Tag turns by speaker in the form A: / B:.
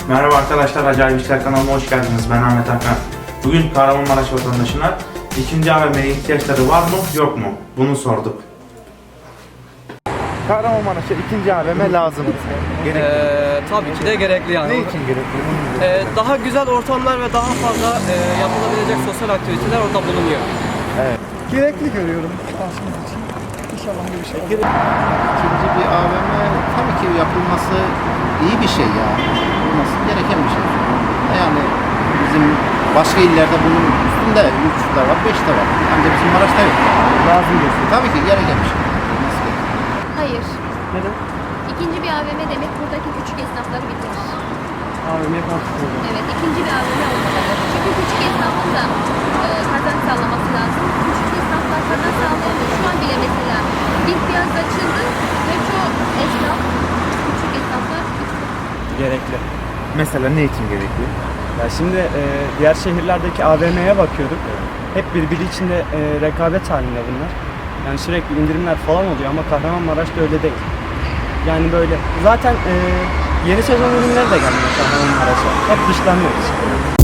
A: Merhaba arkadaşlar, Acayip İşler kanalıma hoş geldiniz. Ben Ahmet Hakan. Bugün Kahramanmaraş vatandaşına ikinci AVM'ye ihtiyaçları var mı, yok mu? Bunu sorduk. Kahramanmaraş'a ikinci AVM lazım mı?
B: Tabii ki de gerekli yani.
A: Ne için gerekli?
B: Daha güzel ortamlar ve daha fazla yapılabilecek sosyal aktiviteler orada bulunuyor.
C: Gerekli görüyorum aslında için. İnşallah öyle bir şey olur.
D: İkinci bir AVM tabii ki yapılması iyi bir şey ya. Yapılması gereken bir şey. Yani bizim başka illerde bunun üstünde 3 de var, 5 de var. Ancak bizim Maraş'ta yok.
C: Lazım diyorsun.
D: Tabii ki gereken bir şey. Yapılması gerekiyor.
E: Hayır.
C: Neden?
E: İkinci bir AVM demek buradaki küçük esnafları bitirir.
C: AVM'ye kalktık.
E: Evet, ikinci bir AVM olmalı. Çünkü küçük esnafın da kazanç sağlaması lazım. Küçük esnaflar kazanç sağlayamıyor. Şu an bile mesela bir piyasa açıldı ve çoğu esnaf, küçük esnaflar
B: Gerekli.
A: Mesela ne için gerekli?
F: Ya şimdi diğer şehirlerdeki AVM'ye bakıyorduk. Hep birbiri içinde rekabet halinde bunlar. Yani sürekli indirimler falan oluyor ama Kahramanmaraş'ta öyle değil. Yani böyle zaten yeni sezon ürünleri de gelmiyor Kahramanmaraş'a. Hep dışlanıyoruz.